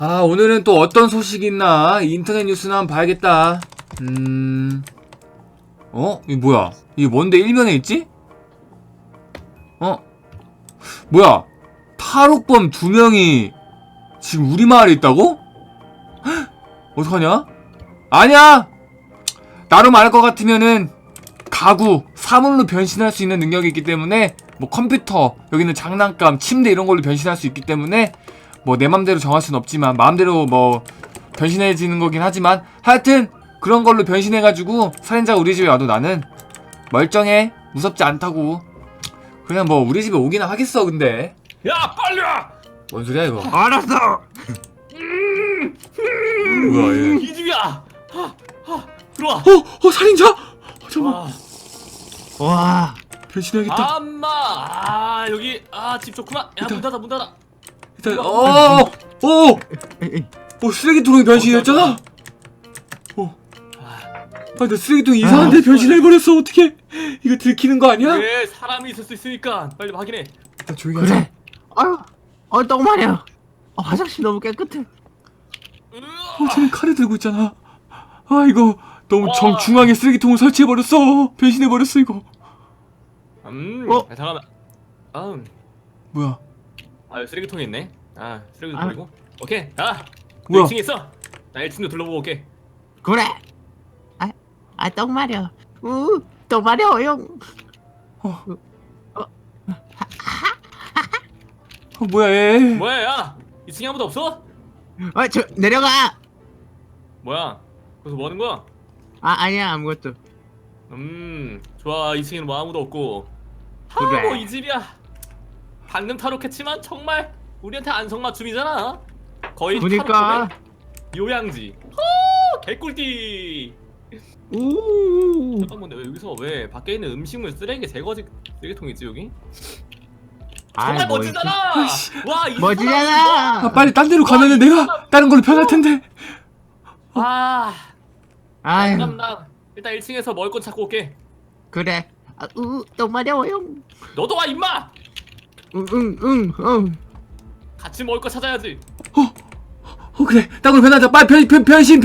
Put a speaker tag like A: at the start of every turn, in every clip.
A: 오늘은 또 어떤 소식이 있나? 인터넷 뉴스나 한번 봐야겠다. 이거 뭐야? 이게 뭔데 일면에 있지? 뭐야? 탈옥범 2명이 지금 우리 마을에 있다고? 헉, 어떡하냐? 아니야! 나로 말할 것 같으면은 가구, 사물로 변신할 수 있는 능력이 있기 때문에 뭐 컴퓨터, 여기는 장난감, 침대 이런 걸로 변신할 수 있기 때문에 뭐 내 맘대로 정할 순 없지만 마음대로 뭐 변신해지는 거긴 하지만 하여튼 그런 걸로 변신해가지고 살인자가 우리 집에 와도 나는 멀쩡해. 무섭지 않다고. 그냥 뭐 우리 집에 오기나 하겠어. 근데
B: 야 빨리 와!
A: 뭔 소리야 이거.
C: 알았어.
A: 뭐야 얘.
B: 이 집이야! 들어와!
A: 살인자? 잠깐만.
B: 아,
C: 와.
A: 변신해야겠다.
B: 엄마! 여기 집 좋구나. 야 문 닫아 문 닫아.
A: 일단 쓰레기통에 변신했잖아. 나 쓰레기통 이상한데 변신해버렸어. 어떡해. 이거 들키는 거 아니야?
B: 왜 사람이 있을 수 있으니까 빨리 확인해.
A: 일단 조용히 하자.
C: 그래. 똥 마려. 화장실 너무 깨끗해.
A: 쟤는 칼을 들고 있잖아. 이거 너무
B: 와.
A: 정중앙에 쓰레기통을 설치해버렸어. 변신해버렸어 이거.
B: 잠깐만.
A: 뭐야.
B: 여기 쓰레기통이 있네. 쓰레기통 버리고. 오케이.
A: 뭐야?
B: 1층에 있어. 나 1층도 둘러보고 올게.
C: 그래. 똥 마려. 똥 마려요.
A: 뭐야 얘.
B: 뭐야 야! 2층에 아무도 없어?
C: 저 내려가.
B: 뭐야? 거기서 뭐 하는 거야?
C: 아니야 아무것도.
B: 좋아. 2층에는 뭐 아무도 없고.
C: 그래.
B: 뭐 이 집이야. 방금 탈옥했지만 정말 우리한테 안성맞춤이잖아. 거의
C: 그니까.
B: 탈옥범의 요양지. 개꿀띠. 잠깐만, 근데 여기서 왜 밖에 있는 음식물 쓰레기 제거지 쓰레기통이지 여기? 정말
C: 뭐
B: 멋지잖아. 와, 이
C: 멋지잖아.
A: 빨리 딴 데로 가면은 내가 다른 걸로 변할 텐데.
C: 아유.
B: 그럼 나 일단 1층에서 먹을 건 찾고 올게.
C: 그래. 똥 마려워요.
B: 너도 와 임마.
C: 응.
B: 같이 먹을 거 찾아야지.
A: 그래. 딴 걸로 변하자. 빨리 변신.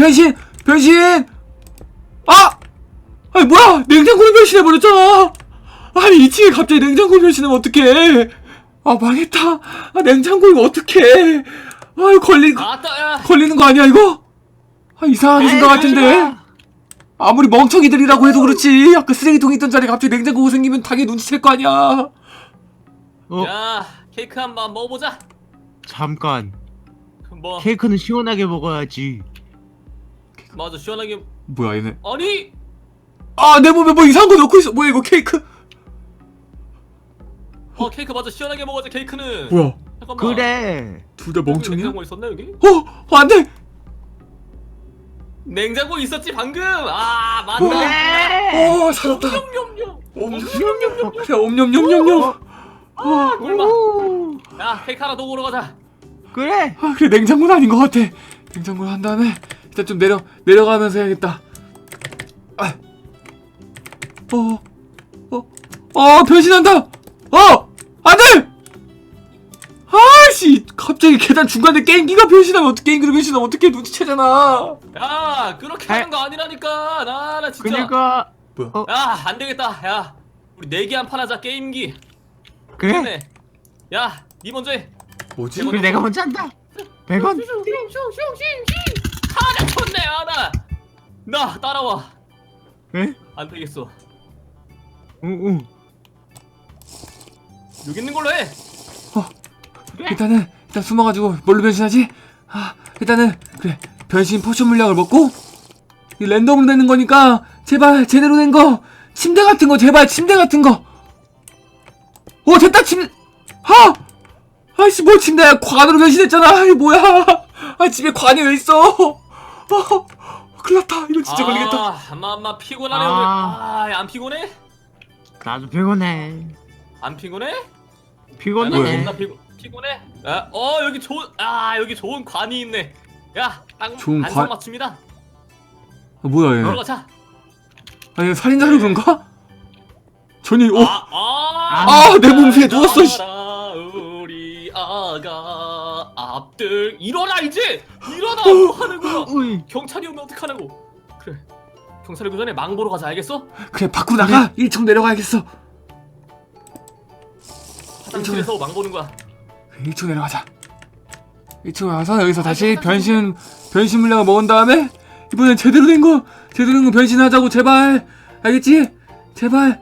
A: 뭐야? 냉장고로 변신해버렸잖아. 2층에 갑자기 냉장고 변신하면 어떡해. 망했다. 냉장고 이거 어떡해. 걸리는 거 아니야 이거? 이상하게 생각 같은데. 아무리 멍청이들이라고 해도 그렇지. 아까 쓰레기통 있던 자리에 갑자기 냉장고가 생기면 당연히 눈치챌 거 아니야.
B: 야, 케이크 한번 먹어보자.
C: 잠깐.
B: 뭐
C: 케이크는 시원하게 먹어야지.
B: 맞아, 시원하게.
A: 뭐야 얘네.
B: 아니
A: 내 몸에 뭐 이상한 거 넣고 있어. 뭐야 이거 케이크.
B: 케이크 맞아, 시원하게 먹어야지. 케이크는
A: 뭐야.
B: 잠깐만.
C: 그래.
A: 둘 다 멍청이야?
B: 냉장고 있었나 여기?
A: 안돼.
B: 냉장고 있었지 방금. 맞다.
C: 그래.
A: 살았다.
B: 냠냠냠.
A: 그래 옴뇸뇸뇸뇸.
B: 꿀마. 야, 케이크 하나 더 먹으러 가자.
C: 그래.
A: 그래 냉장고는 아닌 것 같아. 냉장고를 한 다음에 일단 좀 내려가면서 해야겠다. 변신한다. 안돼. 갑자기 계단 중간에 게임기가 변신하면 게임기로 변신하면 어떻게 눈치채잖아.
B: 야, 그렇게 하는 거 아니라니까. 나 진짜.
C: 그니까.
A: 뭐야?
B: 야, 안 되겠다. 야, 우리 내기 한 판 하자. 게임기.
C: 그래.
B: 야, 니 먼저 해.
A: 뭐지?
C: 그래 내가 먼저 한다. 100원.
B: 하나 쳤네. 나 따라와.
C: 에?
B: 안 되겠어.
C: 응.
B: 여기 있는 걸로 해.
A: 일단 숨어가지고 뭘로 변신하지? 일단은 그래 변신 포션 물약을 먹고 이 랜덤으로 되는 거니까 제발 제대로 된 거 침대 같은 거 제발 침대 같은 거. 됐다 침대. 뭐 침대야 관으로 변신했잖아. 이게 뭐야? 집에 관이 왜 있어? 큰일났다. 이거 진짜 걸리겠다.
B: 엄마 피곤하네 오늘. 안 피곤해?
C: 나도 피곤해.
B: 안 피곤해?
C: 피곤해.
B: 나 피곤해? 여기 좋은 관이 있네. 야, 딱
A: 좋은 관?
B: 안성맞춤이다.
A: 뭐야 얘?
B: 들어가자.
A: 얘 살인자로 그런가? 전이
B: 내
A: 몸 위에 누웠어.
B: 우리 아가 납들 일어나 이제 일어나 뭐 하는 거야?
C: 어이.
B: 경찰이 오면 어떡하냐고. 그래 경찰이 오기 전에 망 보러 가자 알겠어?
A: 그래 밖으로 나가. 1층 내려가야겠어.
B: 화장실에서 망 보는 거야.
A: 1층 내려가자. 1층 와서 여기서 다시 변신 물약을 먹은 다음에 이번엔 제대로 된 거 변신하자고. 제발 알겠지? 제발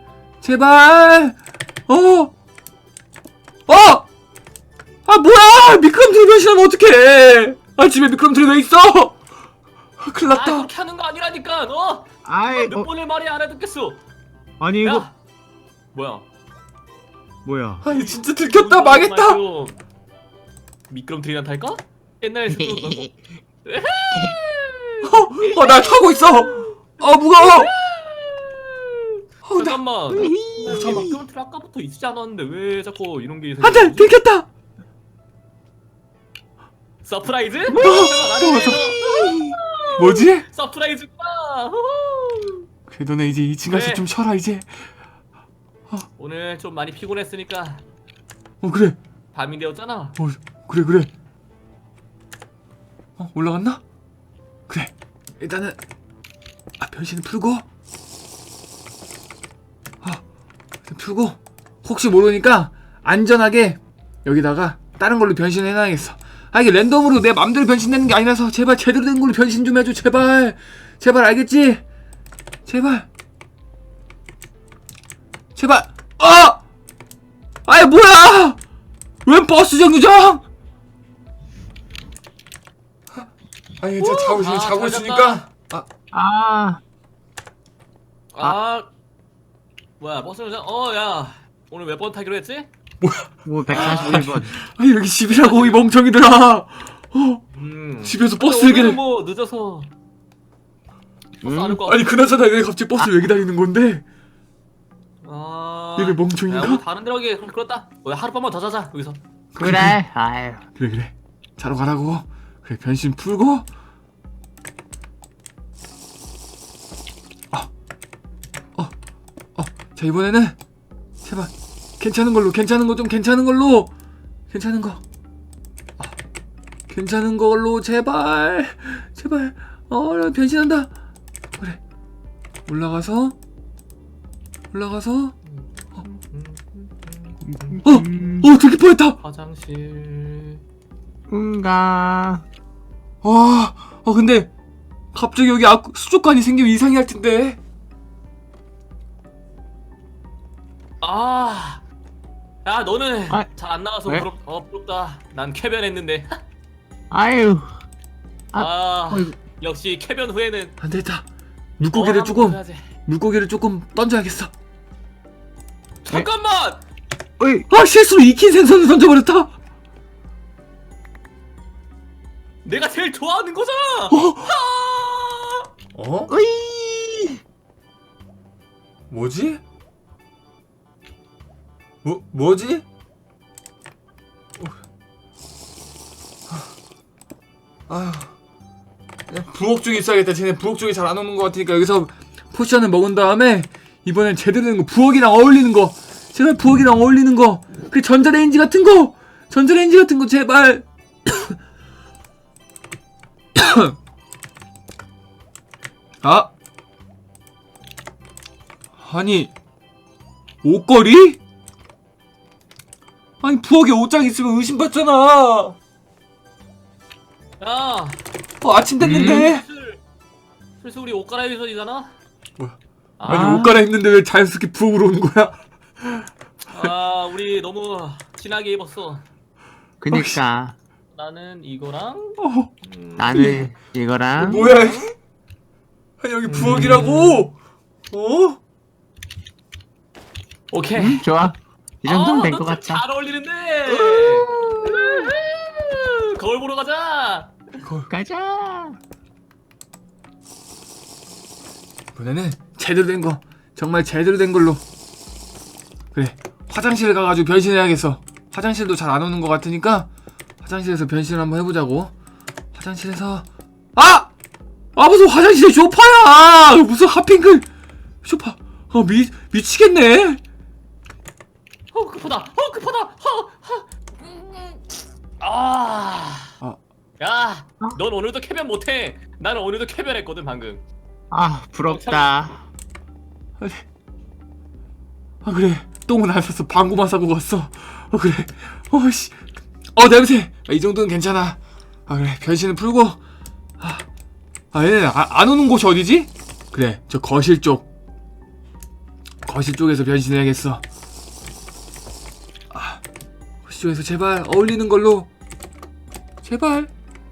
A: 아 뭐야 미끄럼틀 변신하면 어떡해. 아 집에 미끄럼틀이 왜 있어. 큰일
B: 아
A: 났다.
B: 그렇게 하는 거 아니라니까 너.
C: 아이
B: 몇 번을 말이 안 해듣겠어.
C: 아니 이거
B: 야 뭐야?
C: 뭐야?
A: 아니 진짜 들켰다. 망했다.
B: 미끄럼틀이나 탈까? 옛날에
A: 나 타고 있어. 무거워.
B: 잠깐만. 미끄럼틀 아까부터 있지 않았는데 왜 자꾸 이런 게
A: 안돼
B: 생기지?
A: 들켰다.
B: 서프라이즈?
A: 뭐지?
B: 서프라이즈구나.
A: 그래 너네 이제 2층 가서
B: 그래.
A: 좀 쉬어라 이제.
B: 오늘 좀 많이 피곤했으니까
A: 그래.
B: 밤이 되었잖아.
A: 그래. 올라갔나? 그래. 일단은 변신을 풀고 일단 풀고 혹시 모르니까 안전하게 여기다가 다른 걸로 변신을 해놔야겠어. 이게 랜덤으로 내 맘대로 변신되는 게 아니라서 제발 제대로 된 걸로 변신 좀 해줘. 제발 알겠지? 제발 아이 뭐야 웬 버스 정류장. 아니 저 자고 있으니까
B: 뭐야 버스 정류장? 야 오늘 몇 번 타기로 했지?
C: 뭐 141번.
A: 아니 여기 집이라고 이 멍청이들아. 집에서 버스
B: 근데
A: 얘기를.
B: 오늘은 뭐 늦어서 버스 안올 거.
A: 아니 그나저나 왜 갑자기 버스 왜 기다리는 건데? 얘네
B: 야,
A: 멍청인가?
B: 우리 다른 데로 가기 그렇다. 하룻밤만 더 자자 여기서.
C: 그래. 아유.
A: 그래 자러 가라고. 그래 변신 풀고 자 이번에는 제발 괜찮은 걸로 괜찮은 걸로 제발 변신한다. 그래 올라가서 들킬 뻔했다.
B: 화장실.
A: 근데 갑자기 여기 수족관이 생기면 이상해 할 텐데.
B: 야 너는
C: 아,
B: 잘 안 나와서
C: 왜?
B: 부럽다. 난 쾌변했는데.
C: 아유. 어이구.
B: 역시 쾌변 후에는
A: 안 되겠다. 물고기를 조금 던져야겠어.
B: 잠깐만.
C: 어이.
A: 실수로 익힌 생선을 던져버렸다.
B: 내가 제일 좋아하는 거잖아.
C: 어이.
A: 뭐지? 뭐지? 부엌 쪽에 있어야겠다. 쟤네 부엌 쪽에 잘 안 오는 것 같으니까 여기서 포션을 먹은 다음에 이번엔 제대로 된 거 부엌이랑 어울리는 거. 제발 부엌이랑 어울리는 거. 그 전자레인지 같은 거 제발. 아니 옷걸이? 아니 부엌에 옷장 있으면 의심받잖아.
B: 야
A: 아침 됐는데.
B: 슬슬 우리 옷 갈아입을 전이잖아.
A: 뭐야?
B: 아,
A: 아니 옷 갈아입는데 왜 자연스럽게 부엌으로 오는 거야?
B: 우리 너무 진하게 입었어.
C: 그니까
B: 나는 이거랑
C: 나는 이거랑
A: 뭐야? 아니 여기 부엌이라고?
B: 오케이.
C: 좋아. 이 정도면 된 것
B: 너
C: 같다.
B: 잘 어울리는데. 거울 보러 가자.
C: 가자.
A: 이번에는 제대로 된 거, 정말 제대로 된 걸로. 그래, 화장실에 가가지고 변신해야겠어. 화장실도 잘 안 오는 것 같으니까 화장실에서 변신을 한번 해보자고. 화장실에서 무슨 화장실에 쇼파야! 무슨 핫핑크 쇼파? 미치겠네.
B: 급하다. 아.
A: 아.
B: 야, 넌 오늘도 캐변 못해. 나는 오늘도 캐변했거든 방금.
C: 아 부럽다.
A: 아 그래 똥은 안 쌌어. 방구만 싸고 갔어. 그래. 씨. 냄새. 이 정도는 괜찮아. 그래 변신을 풀고. 얘는 안 오는 곳이 어디지? 그래 저 거실 쪽. 거실 쪽에서 변신해야겠어. 거실 쪽에서 제발 어울리는 걸로. 제발.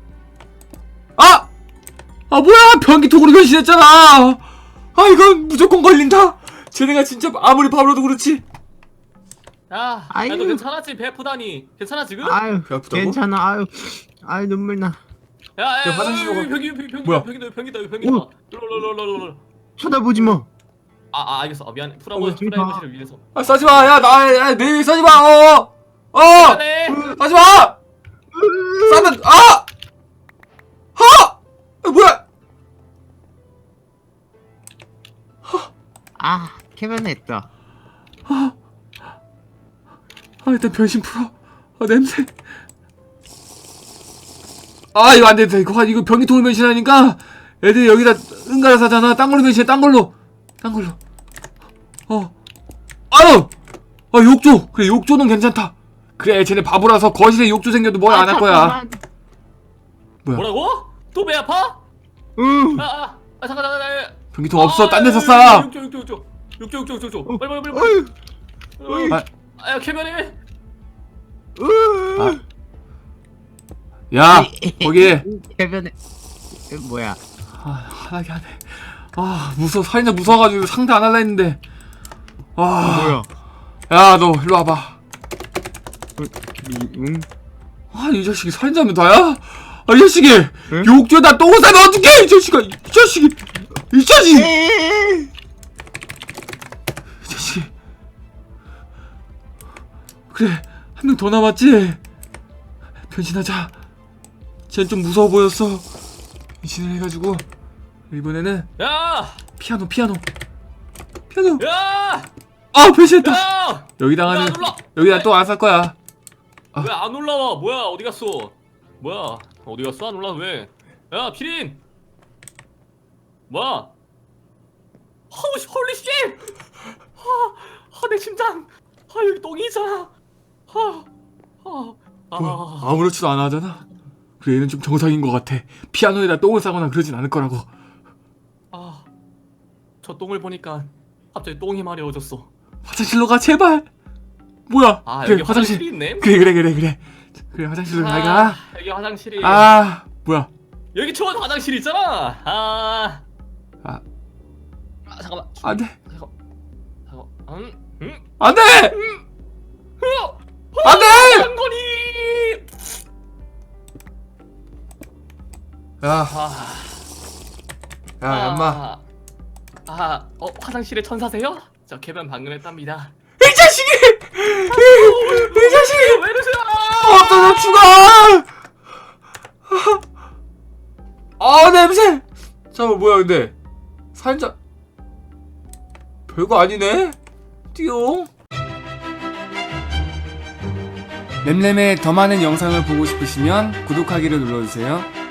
A: 뭐야 변기통으로 변신했잖아. 이건 무조건 걸린다. 쟤네가 진짜 아무리 바보라도 그렇지.
B: 야,
C: 아유.
B: 너 괜찮았지? 배 아프다니. 괜찮아 지금?
C: 아유
A: 배 아프다고?
C: 괜찮아. 아유 눈물 나.
B: 야,
A: 화장실 좀 가.
B: 뭐야?
A: 뭐야?
B: 병기다.
C: 오.
B: 롤롤롤롤.
C: 쳐다보지 마.
B: 알겠어. 미안해.
C: 그러지 마.
B: 프라이버시를 위해서.
A: 싸지마. 야 내일 싸지마.
B: 미안해.
A: 싸지마. 싸면 뭐야?
C: 캐변했다.
A: 일단 변신 풀어. 냄새. 이거 안 된다. 이거 변기통을 변신하니까 애들이 여기다 응가를 사잖아. 딴 걸로 변신해. 딴 걸로. 욕조. 그래 욕조는 괜찮다. 그래 쟤네 바보라서 거실에 욕조 생겨도 뭘 안 할 거야.
C: 잠깐만.
A: 뭐야?
B: 뭐라고? 또 배 아파?
C: 응.
B: 잠깐.
A: 변기통 없어. 딴 데서 싸.
B: 욕조. 빨리.
C: 어이.
B: 야, 캐변해.
A: 야 거기에.
C: 캐변해. 뭐야?
A: 하나게 하네. 무서워. 살인자 무서워가지고 상대 안 할라 했는데.
C: 뭐야?
A: 야 너 일로 와봐.
C: 응?
A: 이 자식이 살인자면 다야? 이 자식이
C: 응?
A: 욕조에다 똥을 싸면 어떡해? 이 자식이 이 자식이 그래 한 명 더 남았지? 변신하자. 쟤는 좀 무서워 보였어. 변신을 해가지고 이번에는
B: 야!
A: 피아노
B: 야!
A: 변신했다.
B: 야!
A: 여기다가는
B: 야, 눌러!
A: 여기다 또 안 쌀 거야.
B: 왜 안 올라와? 뭐야? 어디 갔어? 뭐야? 어디 갔어? 안 올라와 왜? 야, 피린! 뭐야? 홀리 쉣! 내 심장! 여기 똥이 있잖아!
A: 뭐야, 아무렇지도 않아 하잖아. 그래 얘는 좀 정상인 것 같아. 피아노에다 똥을 싸거나 그러진 않을 거라고.
B: 저 똥을 보니까 갑자기 똥이 마려워졌어.
A: 화장실로 가 제발. 뭐야? 그래
B: 여기 화장실이 있네?
A: 그래 화장실로 잘 가.
B: 여기 화장실이.
A: 뭐야?
B: 여기 초원 화장실 있잖아. 잠깐만.
A: 안돼.
B: 잠깐.
A: 안돼. 안돼.
B: 장거리.
A: 야 얌마.
B: 화장실에 천사세요? 저 개변 방금 했답니다.
A: 이 자식이. 이 자식이.
B: 왜 이러세요?
A: 없어져 죽어. 냄새. 잠깐 뭐야 근데 살인자 별거 아니네. 띠용. 램램의 더 많은 영상을 보고 싶으시면 구독하기를 눌러주세요.